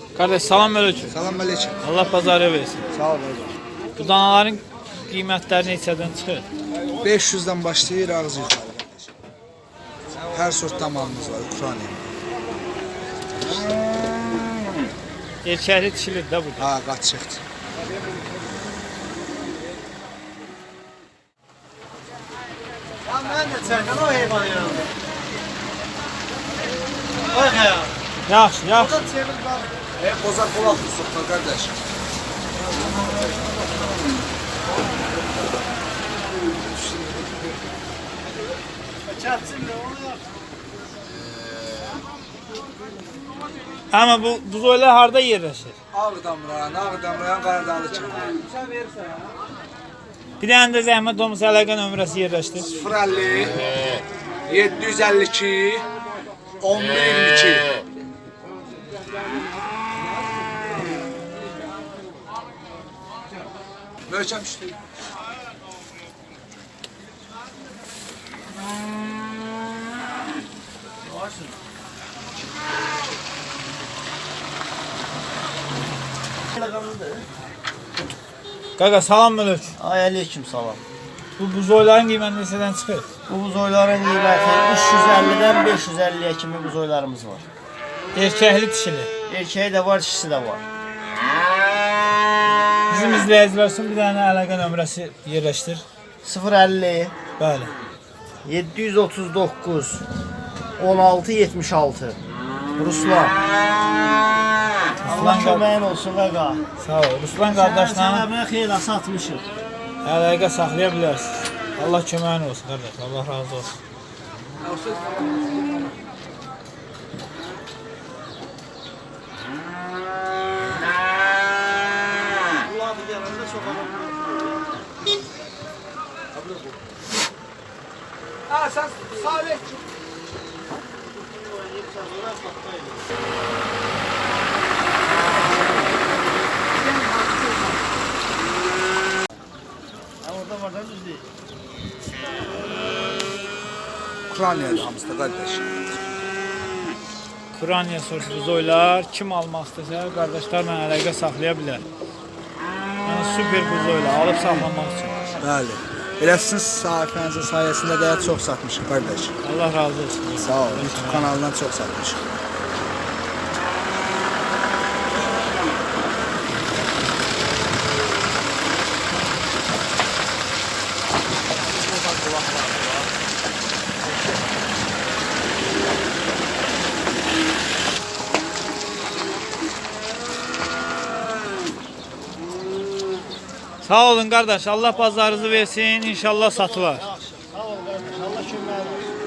Kardeş salam aleyküm. Salam aleyküm. Allah pazarı versin. Sağ ol hacı. Bu danaların qiymətləri neçədən çıxır? 500'den başlayır ağzı yukarı kardeşim. Her sort damağımız var Ukrayna. Erkəkli dişilir də bu. Ha kaçıktı. Ya ben de çəkən o heyvanı yanında. Bak ya. Yaxşı, yaxşı. Oradan çevir bak. Bozar kulak tutsun kardeş. Çatçın da onu yap. Amma bu buzoylar harda yerləşir? Ağdamrayan Qaradağlı kimi. Sen verirsen ya. Bir dənə də zəhmət olmasa əlaqə nömrəsi yerləşdir. 050 752 1122. Möhkəm üstü. Qaqa salam aleyküm. Ay aleyküm salam. Bu buzoyların qiyməti neçədən çıxır? Bu buzoyların qiyməti 350'den 550'ye kimi buzoylarımız var. Erkəkli dişili. Erkeği de var, dişisi de var. Bizim izləyicilər üçün bir dənə əlaqə nömrəsi yerləşdir. 050 Bəli. 739 16 76 Ruslan. Allah köməyin olsun qaqa. Sağ ol. Ruslan qardaşla Sənə xeyla satmışıq. əlaqə saxlaya bilərsiniz. Allah köməyin olsun qardaş. Allah razı olsun. Buladı gələndə çox adam. Ha sen Salih. Orada var da düz değil. Ukrayna'da hamısı da kardeş. Kuraniya sorsu buzoylar kim almaq istəsə qardaşlarla əlaqə saxlaya bilər. Yəni super buzoylar alıb saxlamaq üçün. Bəli. Elə sizin sayfənizin sayəsində də çox satmışıq qardaş. Allah razı olsun. Sağ ol. YouTube kanalından çox satmışıq. Sağ olun qardaş. Allah bazarınızı versin. İnşallah satılar. Sağ ol qardaş. Allah köməyin olsun.